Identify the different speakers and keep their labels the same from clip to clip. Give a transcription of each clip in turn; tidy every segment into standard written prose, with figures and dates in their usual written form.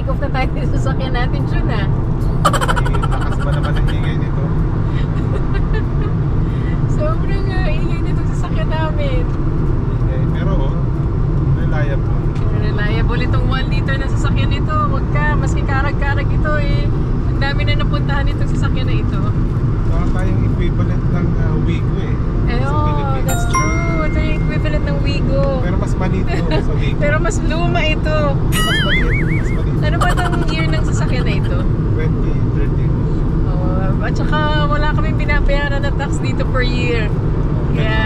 Speaker 1: mag-take off na tayo sa sasakyan natin, Jun, ah.
Speaker 2: Lakas ba naman ang ingay nito?
Speaker 1: Sobrang ingay nito sa sasakyan namin.
Speaker 2: Pero reliable.
Speaker 1: Reliable itong 1 liter na sasakyan nito. Huwag ka, maski karag-karag ito eh. Ang dami na napuntahan itong sasakyan na ito.
Speaker 2: Baka tayong equivalent ng Wigo eh.
Speaker 1: Eh,
Speaker 2: Sa
Speaker 1: oh,
Speaker 2: Pilipinas.
Speaker 1: that's true. Ito yung equivalent ng Wigo.
Speaker 2: Pero mas maliit to sa Wigo.
Speaker 1: Pero mas luma ito.
Speaker 2: Mas maliit. Mas maliit.
Speaker 1: Ano ba itong year ng sasakyan na ito?
Speaker 2: 2013.
Speaker 1: Oh, at saka wala kaming binabayaran na tax dito per year. Kaya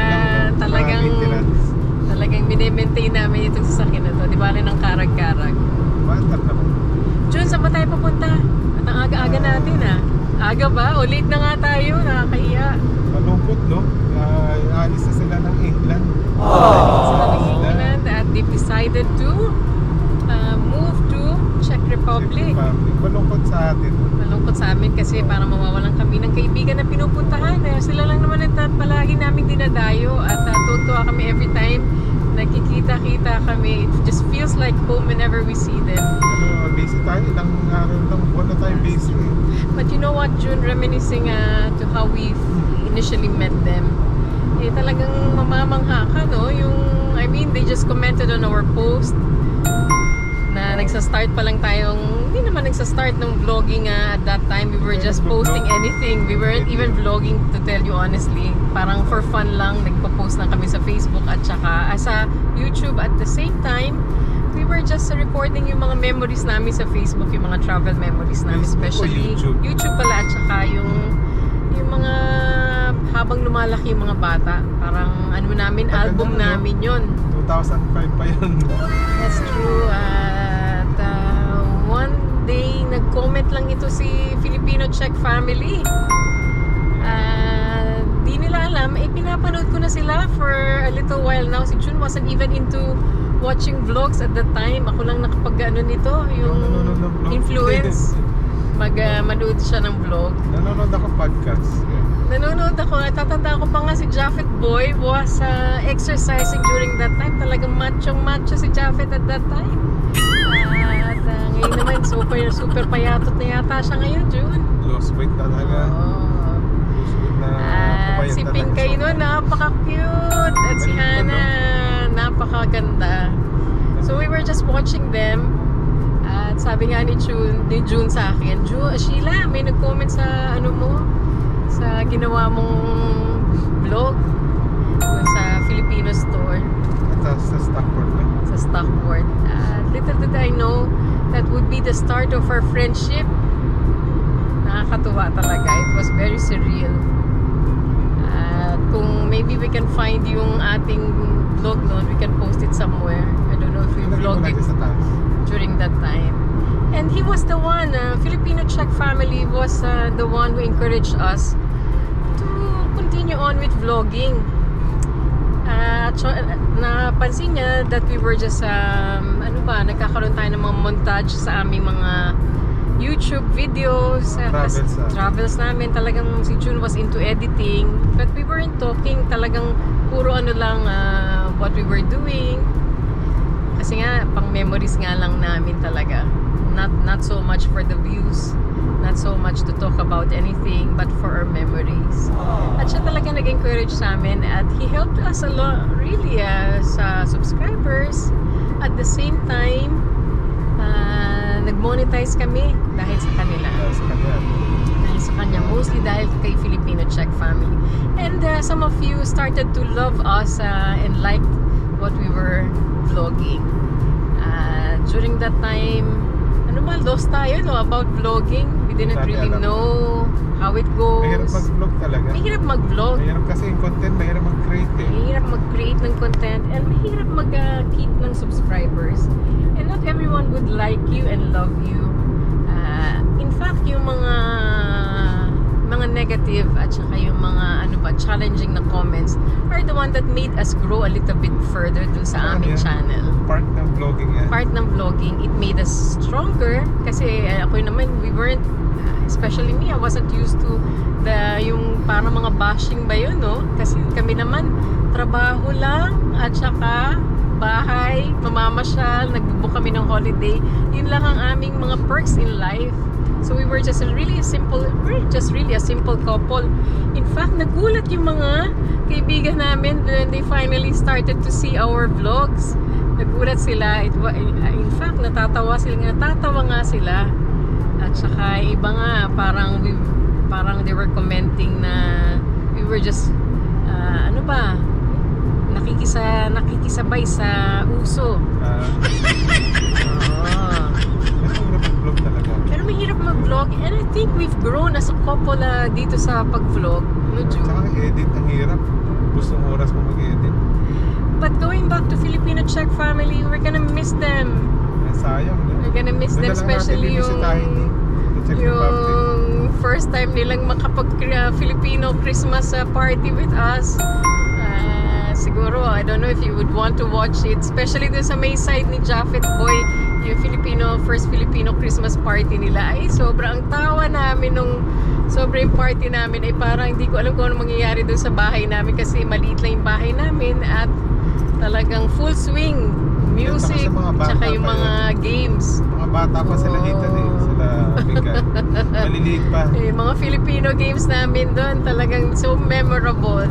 Speaker 1: talagang mini-maintain namin itong sasakyan na to. Di ba rin ng karag-karag.
Speaker 2: Bantar naman.
Speaker 1: Jun, saan ba tayo papunta? At ang aga-aga natin ah. Aga ba? O late na nga tayo. Nakakahiya.
Speaker 2: Malungkot, no? Alis na sila ng England.
Speaker 1: Sila ng England at they've decided to move to Czech Republic.
Speaker 2: Malungkot sa atin.
Speaker 1: Malungkot sa amin kasi parang mawawalan kami ng kaibigan na pinupuntahan. Sila lang naman ang palagi namin dinadayo at tutuwa kami every time nagkikita-kita kami. It just feels like home whenever we see them.
Speaker 2: Busy tayo. Ilang araw lang. Buwan na tayo busy.
Speaker 1: But you know what, June, reminiscing to how we initially met them, talagang mamamangha ka, no? I mean, they just commented on our post na nagsa-start pa lang tayong, hindi naman nagsa-start ng vlogging at that time. We were just posting anything. We weren't even vlogging, to tell you honestly. Parang for fun lang, nagpo-post lang kami sa Facebook at saka sa YouTube. At the same time, we were just recording yung mga memories namin sa Facebook, yung mga travel memories namin, especially YouTube pala, at saka yung mga habang lumalaki yung mga bata, parang ano namin, album namin yon.
Speaker 2: 2005 pa yun.
Speaker 1: That's true. At one day nag-comment lang ito si Filipino-Czech family. Di nila alam, pinapanood ko na sila for a little while now. Si Jun wasn't even into watching vlogs at the time. Ako lang nakapag-ano nito, yung influence. Manood siya ng vlog.
Speaker 2: Nanonood ako podcast.
Speaker 1: Nanonood ako. Natatanda ko pa nga si Japheth Boy was exercising during that time. Talagang macho si Japheth at that time. At ngayon naman, super payatot na yata siya ngayon, June.
Speaker 2: Lost weight talaga.
Speaker 1: Si Pinkay nun, napaka-cute. At si Hannah, napakaganda. So we were just watching them. At sabi nga ni June sa akin, Sheila, may nag-comment sa ano mo, sa ginawa mong vlog sa Filipino store.
Speaker 2: Sa Stockport na.
Speaker 1: Sa Stockport. Little did I know that would be the start of our friendship. Nakakatuwa talaga. It was very surreal. Kung maybe we can find yung ating vlog noon, we can post it somewhere. I don't know if we vlogged it during that time. And he was the one, Filipino-Czech family was the one who encouraged us to continue on with vlogging. Napansin niya that we were just, nagkakaroon tayo ng mga montage sa aming mga YouTube videos, travels namin. Talagang si June was into editing, but we weren't talking. Talagang puro what we were doing. Kasi nga, pang memories nga lang namin talaga. Not so much for the views, not so much to talk about anything, but for our memories. At siya talaga nag-encourage sa amin, at he helped us a lot, really, sa subscribers. At the same time, nag-monetize kami dahil sa kanila. Dahil sa kanya, mostly dahil kay Filipino-Czech family. And some of you started to love us and liked what we were vlogging. During that time, lost tayo about vlogging. We didn't really know how it goes.
Speaker 2: Mahirap mag-vlog talaga.
Speaker 1: Mahirap mag-vlog.
Speaker 2: Mahirap kasi yung content, mahirap mag-create eh.
Speaker 1: Mahirap mag-create ng content and mahirap mag-keep ng subscribers. And not everyone would like you and love you. In fact, yung mga negative at saka yung mga challenging na comments are the one that made us grow a little bit further dun sa aming channel.
Speaker 2: Part ng vlogging yan.
Speaker 1: Part ng vlogging. It made us stronger kasi ako naman, we weren't, especially me, I wasn't used to yung parang mga bashing ba yun, no? Kasi kami naman, trabaho lang at saka bahay, mamamasyal, nagbubook kami ng holiday. Yun lang ang aming mga perks in life. So we were just really a simple couple. In fact, nagulat yung mga kaibigan namin when they finally started to see our vlogs. Nagulat sila. In fact, natatawa nga sila. At saka iba nga, parang they were commenting na we were just nakikisabay sa uso.
Speaker 2: Vlog talaga.
Speaker 1: Pero mahirap mag-vlog, and I think we've grown as a couple dito sa pag-vlog. No, Ju?
Speaker 2: Tsaka edit, ang hirap. Gusto ng oras mo mag-edit.
Speaker 1: But going back to Filipino Czech family, we're gonna miss them.
Speaker 2: Sayang.
Speaker 1: We're gonna miss them, especially yung first time nilang makapag-Filipino Christmas party with us. Siguro, I don't know if you would want to watch it, especially dun sa may side ni Japheth Boy, yung first Filipino Christmas party nila. Ay, sobrang tawa namin nung sobrang party namin. Ay, parang hindi ko alam kung ano mangyayari dun sa bahay namin kasi maliit lang yung bahay namin at talagang full swing music, tsaka yung mga games.
Speaker 2: Mga bata pa sila Ethan eh. Sila Mika. Maliliit pa.
Speaker 1: Mga Filipino games namin doon talagang so memorable.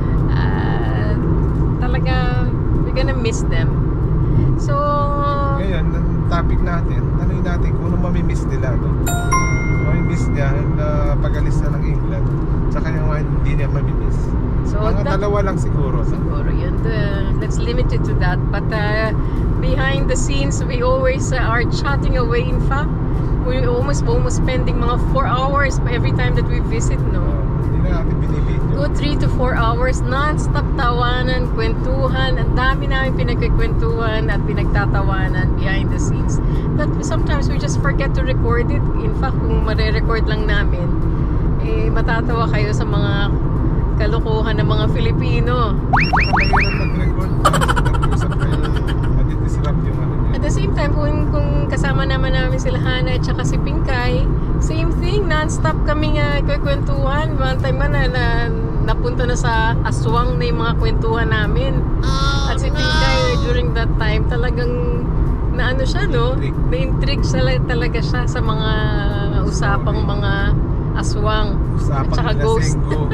Speaker 1: Talaga, we're gonna miss them. So,
Speaker 2: ngayon, ang topic natin, tanongin natin kung ano mamimiss nila. No? Mamimiss niya na pag-alis na ng England. Tsaka yung hindi niya mamimiss.
Speaker 1: So,
Speaker 2: mga dalawa lang siguro.
Speaker 1: Siguro yun. Let's limit it to that. But behind the scenes, we always are chatting away. In fact, we're almost spending mga 4 hours every time that we visit, no?
Speaker 2: Hindi na natin binibidyo.
Speaker 1: Good 3 to 4 hours, non-stop tawanan, kwentuhan. Ang dami namin pinagkikwentuhan at pinagtatawanan behind the scenes. But sometimes we just forget to record it. In fact, kung mare-record lang namin, matatawa kayo sa mga kalokohan ng mga Filipino.
Speaker 2: Mahirap mag-record. Nag-usap kayo. Madi-disrupt yung ano niya.
Speaker 1: At the same time, kung kasama naman namin sila Hana at saka si Pinkay, same thing, non-stop kami kwentuhan. One time na napunta na sa aswang na yung mga kwentuhan namin. At si Pinkay, during that time, talagang naano siya, no? Na-intrigue talaga siya sa mga usapang mga aswang.
Speaker 2: Usapang
Speaker 1: at saka ghost.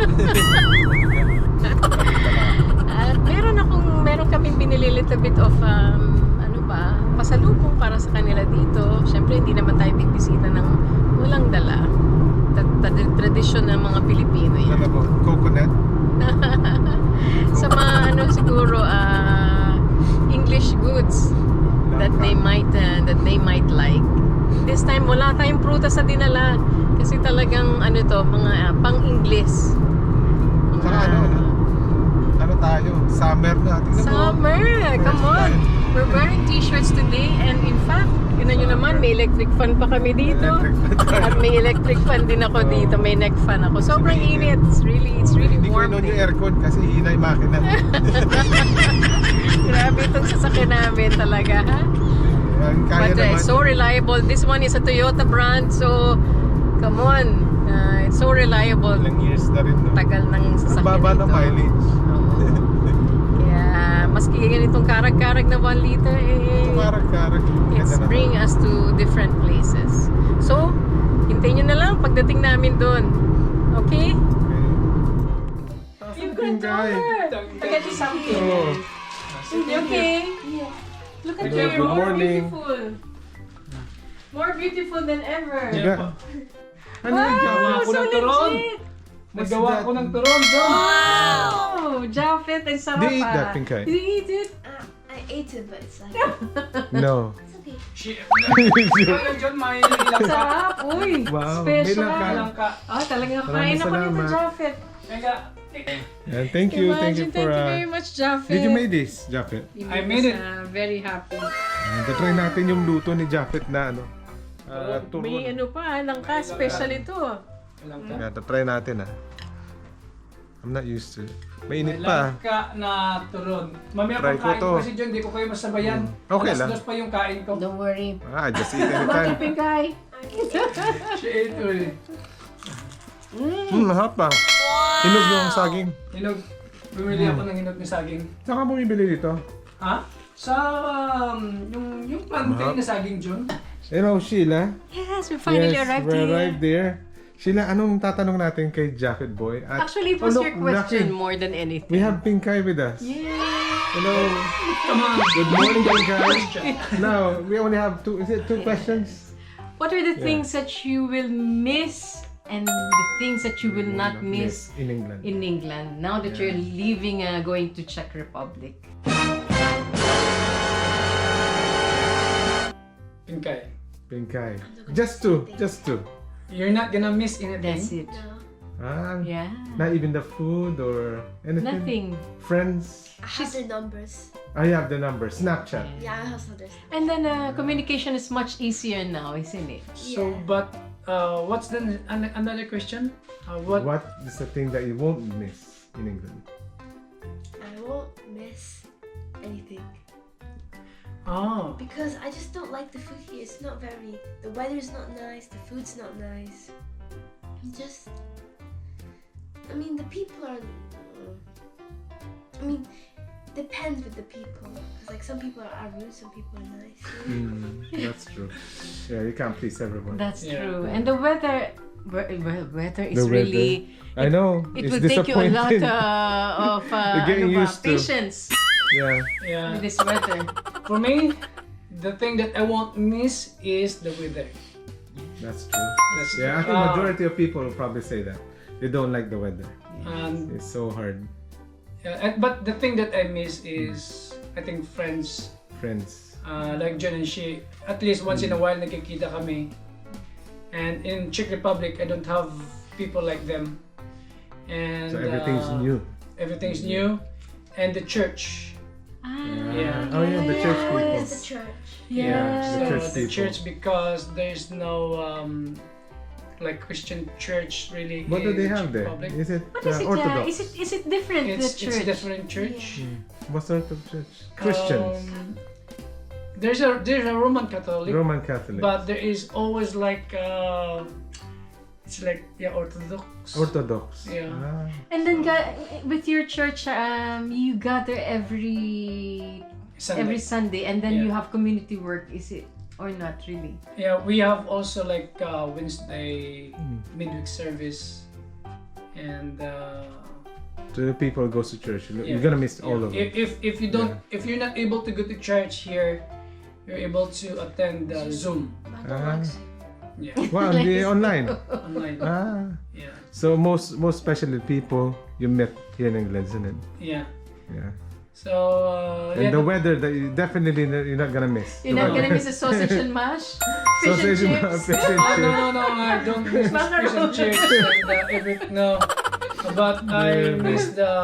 Speaker 1: At meron kaming binili little bit of pasalubong para sa kanila dito. Syempre hindi naman tayo bibisita ng walang dala. Tradisyon ng mga Pilipino yan.
Speaker 2: Ano po? Coconut?
Speaker 1: Sa mga siguro English goods that they might like. This time wala tayong prutas sa dinala kasi talagang mga pang-Ingles.
Speaker 2: Saka ano tayo? Summer na. Tingnan mo.
Speaker 1: Summer! Come on! We're wearing t-shirts today and in fact, yun nyo naman, may electric fan pa kami dito. At may electric fan din ako dito. May neck fan ako. Sobrang init. It's really
Speaker 2: Hindi ko
Speaker 1: warm.
Speaker 2: inon yung aircon kasi hina yung makina.
Speaker 1: Grabe itong sasakyan namin talaga, ha?
Speaker 2: Kaya
Speaker 1: But
Speaker 2: naman.
Speaker 1: it's so reliable. This one is a Toyota brand, so come on. It's so reliable.
Speaker 2: Ilang years na rin, no?
Speaker 1: Tagal ng
Speaker 2: Ang
Speaker 1: sasakyan
Speaker 2: baba ng
Speaker 1: ito.
Speaker 2: mileage.
Speaker 1: Kaya, maski ganitong karag-karag na 1 liter,
Speaker 2: Karag-karag.
Speaker 1: it's bring us to different places. So, hintayin nyo na lang pagdating namin doon. Okay? You've got
Speaker 2: Guy.
Speaker 1: Look at you something.
Speaker 2: Oh.
Speaker 1: You okay? Yeah. Look at
Speaker 2: Hello,
Speaker 1: you,
Speaker 2: good
Speaker 1: more
Speaker 2: morning.
Speaker 1: beautiful. More beautiful than ever.
Speaker 2: Diba? Ano
Speaker 1: Wow,
Speaker 2: yung
Speaker 3: Gawa ko
Speaker 1: so
Speaker 3: ng turon.
Speaker 1: legit.
Speaker 3: Nagawa ko ng turon, John.
Speaker 1: Wow! Japheth, ang sarap.
Speaker 2: Do you eat that, Pinkay?
Speaker 1: Do you eat it?
Speaker 4: I ate it, but it's like
Speaker 2: No.
Speaker 4: it's okay.
Speaker 3: Shit. Ano, John, may ilang ka.
Speaker 1: Sarap, uy.
Speaker 2: Wow,
Speaker 1: Special.
Speaker 2: may langka.
Speaker 3: Ilang ka.
Speaker 1: Talagang
Speaker 2: Maraming
Speaker 1: kain ako nito,
Speaker 2: salamat.
Speaker 1: Japheth.
Speaker 3: Mega.
Speaker 2: And thank you
Speaker 1: Imagine,
Speaker 2: for...
Speaker 1: thank you very much, Japheth.
Speaker 2: Did you make this, Japheth?
Speaker 1: You
Speaker 3: I
Speaker 1: made
Speaker 3: made
Speaker 1: us,
Speaker 3: it.
Speaker 1: very happy.
Speaker 2: Try natin yung luto ni Japheth na turon.
Speaker 1: May pa, langka, special ito.
Speaker 3: Ilang ka.
Speaker 2: Yeah, try natin I'm not used to it. Mainit
Speaker 3: May
Speaker 2: pa.
Speaker 3: langka na turon. Mamaya
Speaker 2: Try
Speaker 3: pang
Speaker 2: ko
Speaker 3: kain
Speaker 2: to.
Speaker 3: ko kasi John, di ko kayo masabayan.
Speaker 2: Okay lang.
Speaker 3: Alas 2 pa yung kain ko.
Speaker 1: Don't worry.
Speaker 2: Just eat
Speaker 1: Bakit,
Speaker 2: anytime.
Speaker 1: Pinkay?
Speaker 3: Shit, uy.
Speaker 2: Mahap pa. Hinog yung saging.
Speaker 3: Hinog. Bumili ako ng hinog ni saging.
Speaker 2: Saan ka bumibili dito?
Speaker 3: Ha? Sa yung plantain na saging, John.
Speaker 2: You know, Sheila?
Speaker 1: Yes, we finally
Speaker 2: yes,
Speaker 1: arrived
Speaker 2: we
Speaker 1: here.
Speaker 2: arrived there. Sheila, anong tatanong natin kay Jacket Boy? At,
Speaker 1: Actually, it was
Speaker 2: oh,
Speaker 1: your
Speaker 2: look,
Speaker 1: question
Speaker 2: Lucky.
Speaker 1: more than anything.
Speaker 2: We have Pinkay with us.
Speaker 1: Yeah.
Speaker 2: Hello.
Speaker 3: Come on.
Speaker 2: Good morning, Pinkay. Now, we only have two questions?
Speaker 1: What are the
Speaker 2: Yeah.
Speaker 1: things that you will miss and the things that you will not miss
Speaker 2: in England.
Speaker 1: in England now that you're leaving, going to Czech Republic?
Speaker 3: Pinkay.
Speaker 2: Pinkay. Just two.
Speaker 3: You're not gonna miss anything.
Speaker 1: That's it.
Speaker 4: No.
Speaker 2: Ah,
Speaker 1: Yeah.
Speaker 2: not even the food or anything?
Speaker 1: Nothing.
Speaker 2: Friends?
Speaker 4: I have their numbers.
Speaker 2: I have the number. Snapchat.
Speaker 4: Yeah, I have others.
Speaker 1: And then communication is much easier now, isn't it?
Speaker 3: So,
Speaker 4: Yeah.
Speaker 3: but what's the another question?
Speaker 2: What is the thing that you won't miss in England?
Speaker 4: I won't miss anything.
Speaker 3: Oh,
Speaker 4: Because I just don't like the food here. It's not very. The weather's not nice. The food's not nice. Just. I mean, the people are. I mean, depends with the people. Because like some people are rude, some people are nice.
Speaker 2: That's true. Yeah, you can't please everyone.
Speaker 1: That's
Speaker 3: Yeah.
Speaker 1: true. And the weather, weather is
Speaker 2: The weather.
Speaker 1: really.
Speaker 2: I know.
Speaker 1: It
Speaker 2: it's
Speaker 1: will take you a lot
Speaker 2: disappointing.
Speaker 1: of
Speaker 2: You're getting
Speaker 1: ano ba,
Speaker 2: used to.
Speaker 1: patience
Speaker 2: Yeah.
Speaker 3: yeah.
Speaker 1: with this weather.
Speaker 3: For me, the thing that I won't miss is the weather.
Speaker 2: That's true.
Speaker 3: That's
Speaker 2: Yeah, I think
Speaker 3: uh,
Speaker 2: majority of people will probably say that. They don't like the weather.
Speaker 3: And
Speaker 2: It's so hard.
Speaker 3: but the thing that I miss is, I think, friends.
Speaker 2: Friends.
Speaker 3: Like John and she, at least once in a while nagkikita kami. And in Czech Republic, I don't have people like them. And
Speaker 2: So everything's new.
Speaker 3: Everything's new. And the church. Yeah.
Speaker 2: Oh yeah, the church
Speaker 4: What
Speaker 2: people.
Speaker 4: is the church?
Speaker 1: Yeah.
Speaker 3: So
Speaker 2: The church
Speaker 3: the
Speaker 2: people.
Speaker 3: church, because there's no like Christian church really.
Speaker 2: What do
Speaker 3: in
Speaker 2: they
Speaker 3: Czech
Speaker 2: have there?
Speaker 3: Republic.
Speaker 2: Is it
Speaker 1: What is it?
Speaker 2: Orthodox?
Speaker 1: Is it different?
Speaker 3: It's
Speaker 1: the church.
Speaker 3: different church.
Speaker 2: What sort of church? Christians.
Speaker 3: There's a Roman Catholic,
Speaker 2: Roman Catholic.
Speaker 3: but there is always like it's like Orthodox.
Speaker 2: Orthodox.
Speaker 3: Yeah.
Speaker 2: Ah.
Speaker 1: And then with your church, you gather every Sunday, and then
Speaker 3: Yeah.
Speaker 1: you have community work. Is it or not really?
Speaker 3: Yeah, we have also like Wednesday
Speaker 2: Hmm.
Speaker 3: midweek service, and
Speaker 2: So the people goes to church.
Speaker 3: yeah.
Speaker 2: You're gonna miss all of them.
Speaker 3: If you don't, if you're not able to go to church here, you're able to attend Zoom.
Speaker 4: I don't like soup.
Speaker 3: Yeah,
Speaker 2: Wow, the online.
Speaker 3: online.
Speaker 2: Ah.
Speaker 3: Yeah,
Speaker 2: So most especially people you met here in England, isn't it?
Speaker 3: yeah.
Speaker 2: Yeah.
Speaker 3: So
Speaker 2: And
Speaker 3: yeah,
Speaker 2: the weather that you definitely you're not gonna miss.
Speaker 1: You're not gonna miss a sausage and mash, fish
Speaker 2: Sausage
Speaker 1: and
Speaker 2: and
Speaker 1: chips.
Speaker 2: fish and
Speaker 3: Oh,
Speaker 2: chips.
Speaker 3: no, I don't miss the fish and chips and everything. No, but I
Speaker 2: Yeah.
Speaker 3: miss the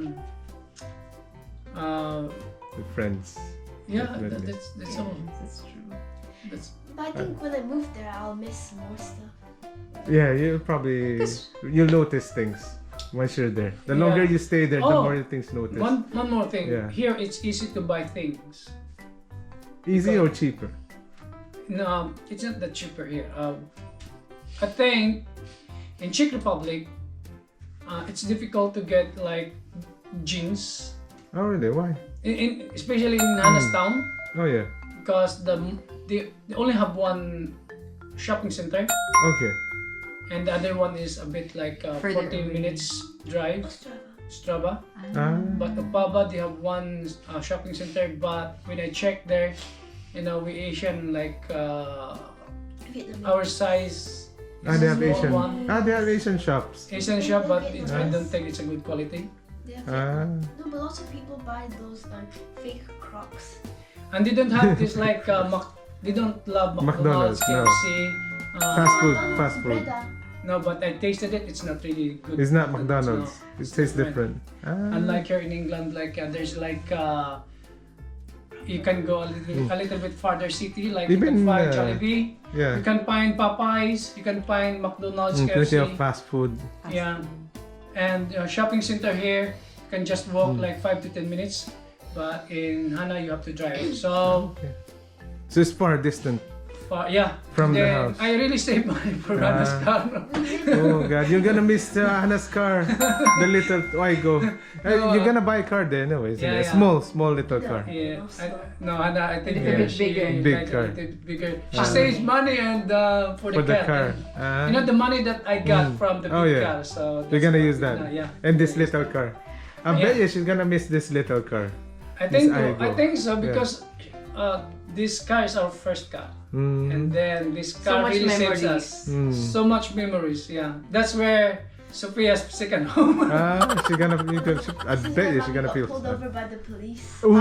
Speaker 2: With friends.
Speaker 3: yeah.
Speaker 2: Definitely.
Speaker 3: That's all.
Speaker 1: That's true.
Speaker 3: That's
Speaker 4: But I think when I move there, I'll miss more stuff.
Speaker 2: Yeah, you'll notice things once you're there. The longer
Speaker 3: Yeah.
Speaker 2: you stay there, the
Speaker 3: Oh,
Speaker 2: more things notice.
Speaker 3: one more thing.
Speaker 2: Yeah.
Speaker 3: Here it's easy to buy things.
Speaker 2: Easy or cheaper?
Speaker 3: No, it's not that cheaper here. I think in Czech Republic, it's difficult to get like jeans,
Speaker 2: Oh really? Why?
Speaker 3: especially in Hannah's town,
Speaker 2: Oh yeah.
Speaker 3: because they only have one shopping center,
Speaker 2: Okay.
Speaker 3: and the other one is a bit like
Speaker 1: Further
Speaker 3: 14
Speaker 1: away.
Speaker 3: minutes drive, Strava.
Speaker 2: Ah.
Speaker 3: But Opava, they have one shopping center, but when I checked there, we Asian like
Speaker 4: Vietnamese.
Speaker 3: our size.
Speaker 2: Ah, they have
Speaker 3: small
Speaker 2: Asian.
Speaker 3: one.
Speaker 2: Ah, they have Asian shops.
Speaker 3: Asian shop, but I
Speaker 2: Nice.
Speaker 3: don't think it's a good quality.
Speaker 4: They have
Speaker 2: Ah.
Speaker 4: No, but lots of people buy those fake Crocs.
Speaker 3: And they don't have this like they don't love McDonald's,
Speaker 2: McDonald's, no.
Speaker 3: KFC.
Speaker 2: Fast food. Fast food.
Speaker 4: Breda.
Speaker 3: No, but I tasted it. It's not really good.
Speaker 2: It's not
Speaker 3: food,
Speaker 2: McDonald's.
Speaker 3: no.
Speaker 2: It tastes different. Ah.
Speaker 3: Unlike here in England, like there's like you can go a little bit farther city, like you
Speaker 2: Even,
Speaker 3: can find Jollibee,
Speaker 2: Yeah.
Speaker 3: you can find Popeyes, you can find McDonald's,
Speaker 2: Plenty of
Speaker 3: KFC.
Speaker 2: fast food.
Speaker 3: Yeah. And shopping center here, you can just walk
Speaker 2: Hmm.
Speaker 3: like 5 to 10 minutes. But in Hana, you have to drive. So
Speaker 2: So it's far distant
Speaker 3: far. Yeah.
Speaker 2: From the
Speaker 3: Then
Speaker 2: house.
Speaker 3: I really saved money for Hannah's car.
Speaker 2: Oh God, you're gonna miss Hannah's car. The little Wigo.
Speaker 3: No,
Speaker 2: You're gonna buy a car there anyway, isn't
Speaker 3: Yeah,
Speaker 2: it?
Speaker 3: yeah.
Speaker 2: Small little car.
Speaker 3: Yeah. No, Hannah, I think
Speaker 2: Yeah.
Speaker 3: she
Speaker 1: Big
Speaker 3: like
Speaker 2: car.
Speaker 3: a little bigger. She saves money and for
Speaker 2: For the car.
Speaker 3: You know the money that I got from the big
Speaker 2: Oh, yeah.
Speaker 3: car. So
Speaker 2: You're
Speaker 3: that's
Speaker 2: gonna
Speaker 3: what
Speaker 2: use that.
Speaker 3: Yeah.
Speaker 2: And this little car. I
Speaker 3: Yeah.
Speaker 2: bet you she's gonna miss this little car.
Speaker 3: I think
Speaker 2: Miss Aigo.
Speaker 3: I think so because this car is our first car.
Speaker 2: Mm.
Speaker 3: And then this
Speaker 1: So
Speaker 3: car
Speaker 1: much
Speaker 3: really saves
Speaker 1: memories.
Speaker 3: us.
Speaker 2: Mm.
Speaker 3: So much memories, yeah. That's where Sophia's second home.
Speaker 2: She's gonna. I bet you she's gonna feel.
Speaker 4: pulled over by the police.
Speaker 2: Oh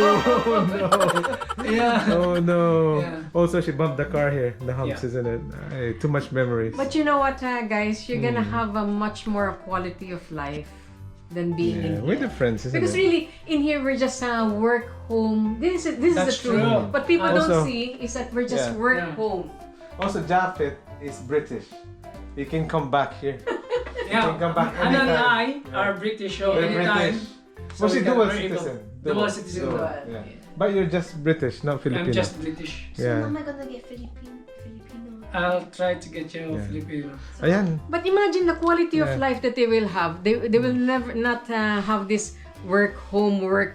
Speaker 2: no!
Speaker 3: yeah.
Speaker 2: Oh no!
Speaker 3: Yeah.
Speaker 2: Also, she bumped the car here. The humps,
Speaker 3: Yeah.
Speaker 2: isn't it? Too much memories.
Speaker 1: But you know what, guys? You're gonna
Speaker 2: Hmm.
Speaker 1: have a much more quality of life than being in
Speaker 2: Yeah,
Speaker 1: here.
Speaker 2: we're the friends, isn't
Speaker 1: Because
Speaker 2: it?
Speaker 1: really, in here we're just work, home. This is the
Speaker 3: That's
Speaker 1: truth.
Speaker 3: true.
Speaker 1: What people
Speaker 2: Also-
Speaker 1: don't see is that we're just
Speaker 2: Yeah.
Speaker 1: work,
Speaker 3: Yeah.
Speaker 1: home.
Speaker 2: Also, Japhet is British. He can come back here.
Speaker 3: Yeah.
Speaker 2: You can come back
Speaker 3: Hannah and I
Speaker 2: anytime.
Speaker 3: are British, so
Speaker 2: We're
Speaker 3: anytime.
Speaker 2: British.
Speaker 3: So
Speaker 2: Was she
Speaker 3: we can-
Speaker 2: dual
Speaker 3: we're able-
Speaker 2: citizen?
Speaker 3: Dual citizen.
Speaker 2: Dual,
Speaker 1: Dual,
Speaker 2: yeah.
Speaker 1: yeah.
Speaker 2: But you're just British, not Filipino.
Speaker 3: I'm just British.
Speaker 4: So
Speaker 2: Yeah.
Speaker 4: when am I gonna get Filipino?
Speaker 3: I'll try to get you
Speaker 2: Yeah.
Speaker 3: Filipino.
Speaker 2: Ayan.
Speaker 1: But imagine the quality of
Speaker 2: Yeah.
Speaker 1: life that they will have. They will never not have this work, home,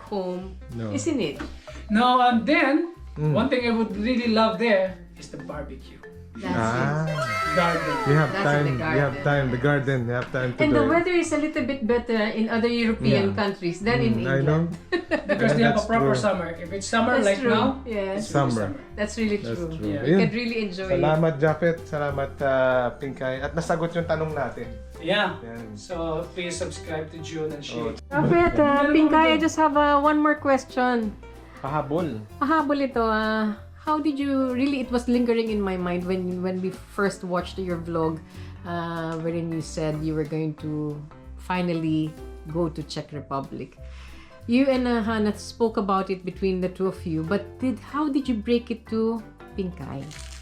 Speaker 2: No.
Speaker 1: isn't it?
Speaker 3: No, and then
Speaker 2: Mm.
Speaker 3: one thing I would really love there is the barbecue
Speaker 1: That's
Speaker 2: Ah.
Speaker 3: garden.
Speaker 2: You have
Speaker 1: That's in
Speaker 2: time.
Speaker 1: the
Speaker 2: You have
Speaker 1: garden.
Speaker 2: time. The garden. You have time to
Speaker 1: And
Speaker 2: do
Speaker 1: the
Speaker 2: it.
Speaker 1: weather is a little bit better in other European
Speaker 2: Yeah.
Speaker 1: countries than in
Speaker 2: I know.
Speaker 1: England.
Speaker 3: Because
Speaker 2: Yeah,
Speaker 3: they have a
Speaker 2: that's
Speaker 3: proper
Speaker 2: true.
Speaker 3: summer. If it's summer
Speaker 1: That's
Speaker 3: like
Speaker 1: true.
Speaker 3: now,
Speaker 1: Yes.
Speaker 3: it's really
Speaker 2: Summer.
Speaker 1: That's really
Speaker 2: That's
Speaker 1: true.
Speaker 2: true.
Speaker 3: Yeah.
Speaker 1: You
Speaker 2: Ayun.
Speaker 1: can really enjoy it.
Speaker 2: Salamat, Japhet. Salamat, Pinkay. At nasagot yung tanong natin.
Speaker 3: Yeah.
Speaker 2: Yan.
Speaker 3: So please subscribe to June and
Speaker 2: Oh,
Speaker 3: she.
Speaker 1: Prophet, Pinkay, I just have one more question.
Speaker 2: pahabol.
Speaker 1: Pahabol ito. How did you really? It was lingering in my mind when we first watched your vlog, wherein you said you were going to finally go to Czech Republic. You and Hannah spoke about it between the two of you, but how did you break it to Pinkay?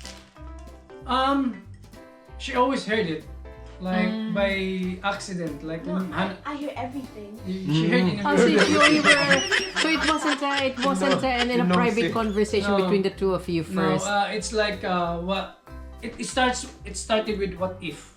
Speaker 3: She always heard it, like by accident. Like
Speaker 4: No,
Speaker 3: Hannah,
Speaker 4: I hear everything.
Speaker 3: she heard in a
Speaker 1: Oh, so it wasn't in a
Speaker 2: Nosy.
Speaker 1: private conversation
Speaker 3: No.
Speaker 1: between the two of you
Speaker 3: No,
Speaker 1: first.
Speaker 3: it's like what it started with what if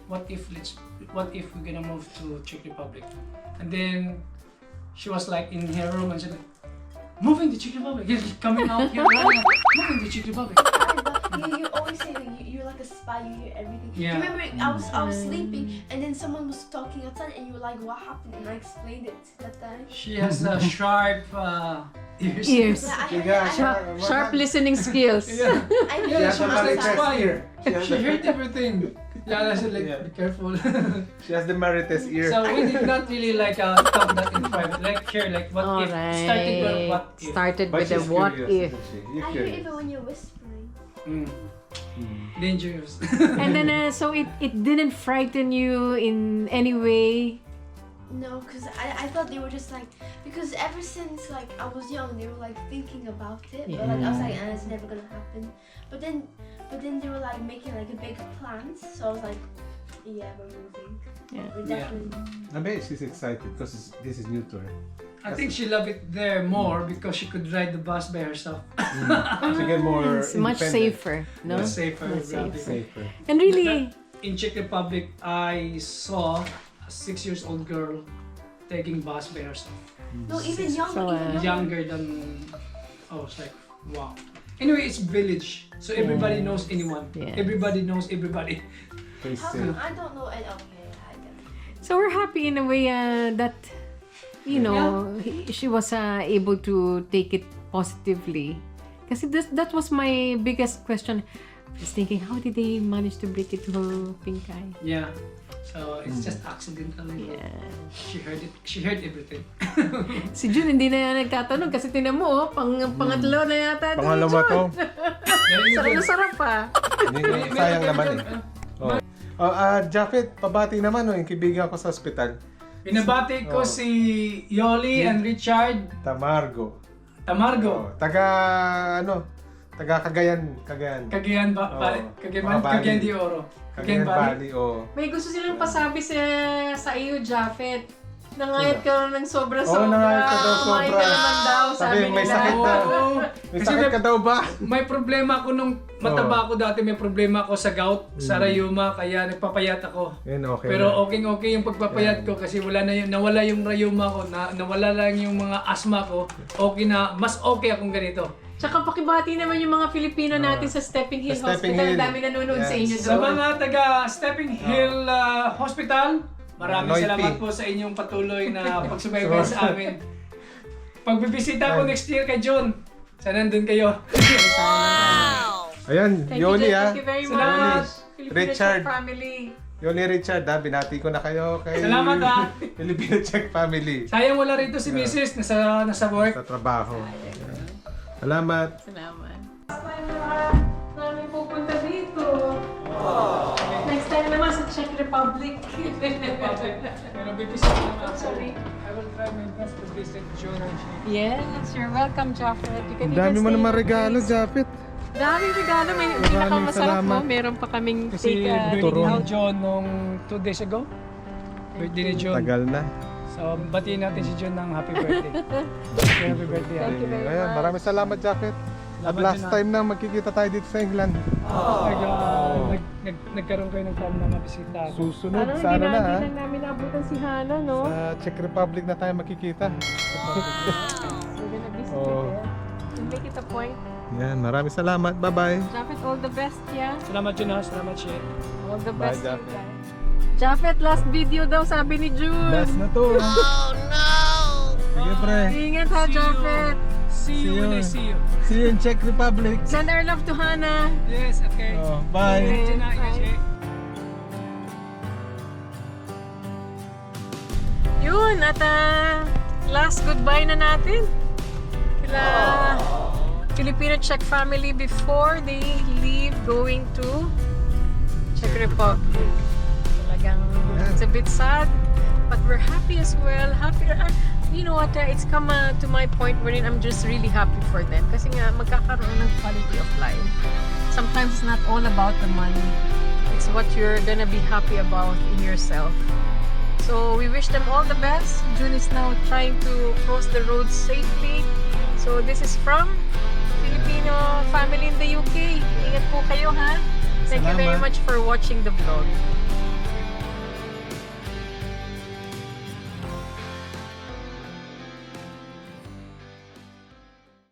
Speaker 3: we're gonna move to Czech Republic, and then she was like in her room and said, moving to Czech Republic, you're coming out here, running, moving to Czech Republic.
Speaker 4: You always say that you're like a spy. You hear everything.
Speaker 3: Yeah.
Speaker 4: Do you remember I was sleeping and then someone was talking outside and you were like, "What happened?" And I explained it that time.
Speaker 3: She has sharp ears.
Speaker 1: Ears.
Speaker 4: Yeah, I heard,
Speaker 2: Yeah,
Speaker 4: I
Speaker 1: Sharp,
Speaker 4: heard,
Speaker 1: sharp listening skills.
Speaker 3: Yeah,
Speaker 4: I heard
Speaker 3: yeah,
Speaker 2: has
Speaker 3: she
Speaker 2: a
Speaker 3: was like
Speaker 2: Marites
Speaker 3: spy.
Speaker 2: ear.
Speaker 3: She heard everything. Yeah, I said like,
Speaker 2: Yeah.
Speaker 3: be careful.
Speaker 2: She has the Marites ear.
Speaker 3: So we did not really like talk that in private, like here, like what
Speaker 1: All
Speaker 3: if started with what if.
Speaker 1: Started
Speaker 2: But
Speaker 1: with the
Speaker 2: she's
Speaker 1: what if.
Speaker 2: curious, isn't she? You're
Speaker 4: I hear
Speaker 2: curious.
Speaker 4: even when you're whispering.
Speaker 3: Mm. Dangerous.
Speaker 1: And then so it didn't frighten you in any way.
Speaker 4: No, because I thought they were just like, because ever since like I was young, they were like thinking about it, but like I was like, it's never gonna happen. But then they were like making like a big plans, so I was like, yeah, we're moving.
Speaker 1: Yeah.
Speaker 4: We're
Speaker 3: Yeah.
Speaker 4: definitely.
Speaker 2: I bet she's excited because this is new to her.
Speaker 3: I think she loved it there more because she could ride the bus by herself.
Speaker 2: She get more
Speaker 1: It's much
Speaker 2: independent.
Speaker 1: safer, no?
Speaker 3: Much safer.
Speaker 1: Much
Speaker 3: probably.
Speaker 2: Safer.
Speaker 1: And really,
Speaker 3: In Czech Republic, I saw a 6 years old girl taking bus by herself.
Speaker 4: No, even young,
Speaker 1: So,
Speaker 4: even younger.
Speaker 3: Younger than, I was like, wow. Anyway, it's village, so everybody knows anyone.
Speaker 1: Yeah.
Speaker 3: Everybody knows everybody.
Speaker 2: Stay
Speaker 4: How
Speaker 2: safe.
Speaker 4: come? I don't know. Okay, I don't.
Speaker 1: so we're happy in a way that, you know, she was able to take it positively. Because that was my biggest question. I was thinking, how did they manage to break it to Pinkay?
Speaker 3: Yeah. So it's just accidentally.
Speaker 1: Yeah.
Speaker 3: She heard everything.
Speaker 1: Si Jun hindi na nagtatanong kasi tinan mo, pangatlo na yata. ito ni
Speaker 2: Pangalawa
Speaker 1: Jun.
Speaker 2: to.
Speaker 3: Very good.
Speaker 1: Sarap pa.
Speaker 2: Hindi, sayang naman eh. Oh. Japhet, pabati naman yung kaibigan ko sa ospital.
Speaker 3: Binabati ko
Speaker 2: Oh.
Speaker 3: si Yoli and Richard
Speaker 2: Tamargo.
Speaker 3: Tamargo.
Speaker 2: Taga Cagayan.
Speaker 3: Cagayan ba?
Speaker 2: Oh.
Speaker 3: Cagayan,
Speaker 2: Mga Bali.
Speaker 3: Cagayan de Oro.
Speaker 2: Cagayan Valley, oh.
Speaker 1: May gusto silang pasabi sa iyo, Japhet. Nangayat ka ng sobra-sobra.
Speaker 2: Oo, nangayat ka daw
Speaker 1: Kumain
Speaker 2: sobra.
Speaker 1: ka naman daw,
Speaker 2: Sabi,
Speaker 1: sabi
Speaker 2: may
Speaker 1: nila.
Speaker 2: sakit na.
Speaker 3: Oo.
Speaker 2: May
Speaker 3: Kasi
Speaker 2: sakit ka daw ba?
Speaker 3: May problema ako nung mataba ako dati, may problema ako sa gout, sa rayuma, kaya nagpapayat ako.
Speaker 2: Yan, okay
Speaker 3: Pero
Speaker 2: na.
Speaker 3: okay yung pagpapayat ko kasi wala na yung, nawala yung rayuma ko, nawala lang yung mga asthma ko. Okay na, mas okay akong ganito.
Speaker 1: Tsaka pakibati naman yung mga Filipino natin sa Stepping Hill
Speaker 2: Sa Stepping
Speaker 1: Hospital.
Speaker 2: Hill.
Speaker 1: Ang dami nanonood sa
Speaker 2: Yes.
Speaker 1: inyo
Speaker 3: Sa
Speaker 1: doon.
Speaker 3: mga taga Stepping Hill Hospital, maraming
Speaker 2: Loyalty.
Speaker 3: salamat po sa inyong patuloy na pagsubaybay sa amin. Pagbibisita ko next year kay John, sana nandun kayo.
Speaker 2: Ayan,
Speaker 1: Thank
Speaker 2: Yoli
Speaker 1: you,
Speaker 2: ah.
Speaker 1: thank you very
Speaker 3: Salamat.
Speaker 1: much. Filipino
Speaker 2: Richard.
Speaker 1: Czech family.
Speaker 2: Yoli Richard ah, binati ko na kayo kay
Speaker 3: Salamat, ah.
Speaker 2: Filipino Czech family.
Speaker 3: Sayang wala rito si Mrs. nasa work.
Speaker 2: Sa trabaho. Ayan. Salamat.
Speaker 1: Salamat. Namin pupunta dito. Next time naman sa Czech Republic.
Speaker 3: Pero bibisita naman ako.
Speaker 1: Sorry.
Speaker 3: I will try my best to visit John and she.
Speaker 1: Yes, you're welcome, Japheth. You can
Speaker 2: Ang
Speaker 1: even
Speaker 2: dami mo
Speaker 1: stay
Speaker 2: naman
Speaker 1: in the
Speaker 2: regalo,
Speaker 1: place.
Speaker 2: Japit.
Speaker 1: Daming regalo. May
Speaker 2: Maraming
Speaker 1: pinakamasarap
Speaker 2: salamat.
Speaker 1: mo. Meron pa kaming
Speaker 3: Kasi
Speaker 1: take
Speaker 3: birthday
Speaker 2: Turon.
Speaker 3: ni John nung 2 days ago. Birthday ni John.
Speaker 2: Tagal na.
Speaker 3: So, batiin natin si John ng happy birthday. Happy birthday.
Speaker 1: Thank you very
Speaker 2: Ayan,
Speaker 1: much.
Speaker 2: maraming salamat, Japit. At
Speaker 3: Salamat
Speaker 2: last
Speaker 3: din, ah.
Speaker 2: time na magkikita tayo dito sa England.
Speaker 3: Nagkaroon kayo ng time na mabisita ako.
Speaker 2: Susunod,
Speaker 1: Ano,
Speaker 2: sana na
Speaker 1: hindi
Speaker 2: ah.
Speaker 1: lang namin naabutan si Hana, no?
Speaker 2: Sa Czech Republic na tayo magkikita.
Speaker 1: We're gonna visit
Speaker 2: Oh.
Speaker 1: you there. We'll make it a point.
Speaker 2: Yan, maraming salamat. Bye-bye.
Speaker 1: Japheth, all the best, yeah?
Speaker 3: Salamat John ha. Salamat Shay.
Speaker 1: All the
Speaker 2: Bye,
Speaker 1: best to you
Speaker 2: Japheth.
Speaker 1: guys. Japheth, last video daw, sabi ni June.
Speaker 2: Last na to. Oh no! Sige pre.
Speaker 1: Ingat ha, Japheth.
Speaker 3: See you
Speaker 2: See
Speaker 3: when I
Speaker 2: you.
Speaker 3: see you.
Speaker 2: See you in Czech Republic.
Speaker 1: Send our love to Hana.
Speaker 3: Yes, okay.
Speaker 2: Oh, bye.
Speaker 1: Okay.
Speaker 3: John ha. Ingat Shay.
Speaker 1: Yun, at last goodbye na natin. Kila Filipino Czech family before they leave going to Czech Republic. Talagang it's a bit sad, but we're happy as well. Happy, you know what, it's come to my point wherein I'm just really happy for them. Kasi nga, magkakaroon ng quality of life. Sometimes it's not all about the money. It's what you're gonna be happy about in yourself. So we wish them all the best. June is now trying to cross the road safely. So this is from Filipino family in the UK. Ingat po kayo ha. Thank you very
Speaker 2: Salamat.
Speaker 1: much for watching the vlog.